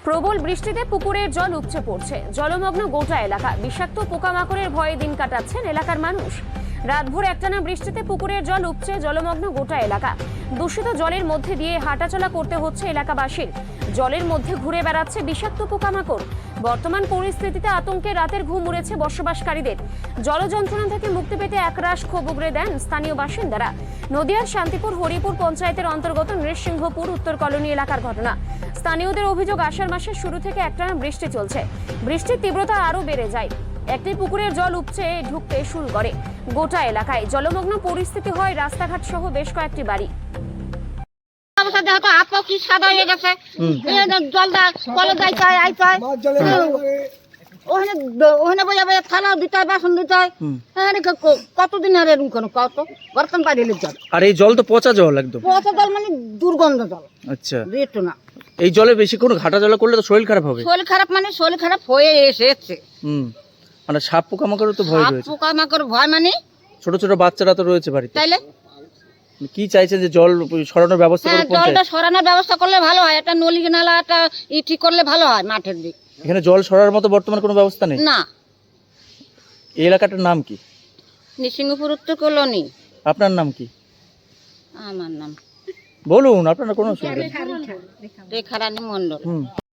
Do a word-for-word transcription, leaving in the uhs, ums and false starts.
প্রবল বৃষ্টিতে পুকুরের জল উপচে পড়ছে, জলমগ্ন গোটা এলাকা। বিষাক্ত পোকামাকড়ের ভয়ে দিন কাটাচ্ছেন এলাকার মানুষ। রাতভর একটানা বৃষ্টিতে পুকুরের জল উপচে জলমগ্ন গোটা এলাকা। দূষিত জলের মধ্যে দিয়ে হাঁটাচলা করতে হচ্ছে এলাকাবাসীর। জলের মধ্যে ঘুরে বেড়াচ্ছে বিষাক্ত পোকামাকড়। বর্তমান পরিস্থিতিতে আতঙ্কে রাতের ঘুম উড়েছে বসবাসকারীদের। জল যন্ত্রণা থেকে মুক্তি পেতে একরাশ ক্ষোভ উগরে দেন স্থানীয় বাসিন্দারা। নদিয়ার শান্তিপুর হরিপুর পঞ্চায়েতের অন্তর্গত নৃসিংহপুর উত্তর কলোনি এলাকার ঘটনা। স্থানীয়দের অভিযোগ, আষাঢ় মাসের শুরু থেকে একটানা বৃষ্টি চলছে। বৃষ্টির তীব্রতা আরও বেড়ে যায়। একটি পুকুরের জল উপচে ঢুকতে শুরু করে। গোটা এলাকায় জলমগ্ন পরিস্থিতি হয় রাস্তাঘাট সহ বেশ কয়েকটি বাড়ি। কতদিন আর এরকম কোনো কত বর্তমান পাইলে জল, আর এই জল তো পচা জল, একদম পচা জল মানে দুর্গন্ধ জল। আচ্ছা, একটু না, এই জলে বেশি কোনো ঘাটা জল করলে তো শরীর খারাপ হবে। শরীর খারাপ মানে শরীর খারাপ হয়ে এসেছে। হুম, মানে সাপ পোকামাকড় তো ভয় রয়েছে। পোকামাকড় ভয় মানে ছোট ছোট বাচ্চারা তো রয়েছে বাড়িতে। তাইলে কি চাইছেন যে জল সরানোর ব্যবস্থা হ্যাঁ, করুন? জলটা সরানোর ব্যবস্থা করলে ভালো হয়। একটা নলি নালা একটা ই ঠিক করলে ভালো হয় মাঠের দিক। এখানে জল সরার মতো বর্তমান কোনো ব্যবস্থা নেই। না, এই এলাকাটার নাম কি? নৃসিংহপুর উত্তর কলোনি। আপনার নাম কি? আমার নাম বলুন, আপনার কোনো অসুবিধা নেই। রেখারানী মন্ডল। হুম।